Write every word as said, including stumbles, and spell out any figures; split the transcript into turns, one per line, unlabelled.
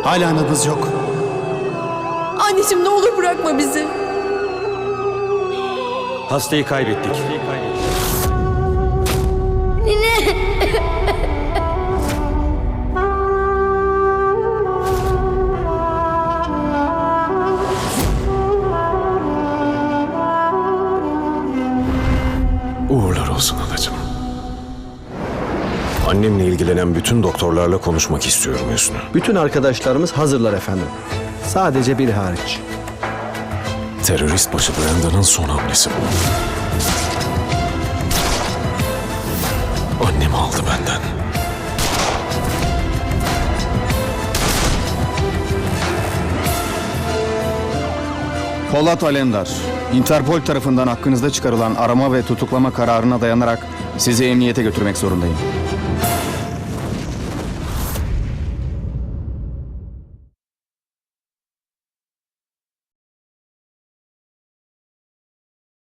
Hala nabız yok.
Anneciğim ne olur bırakma bizi.
Hastayı kaybettik.
Uğurlar olsun anacığım. Annemle ilgilenen bütün doktorlarla konuşmak istiyorum Hüsnü.
Bütün arkadaşlarımız hazırlar efendim. Sadece biri hariç.
Terörist başı Brandon'ın son hamlesi bu. Annemi aldı benden.
Polat Alemdar, Interpol tarafından hakkınızda çıkarılan arama ve tutuklama kararına dayanarak sizi emniyete götürmek zorundayım.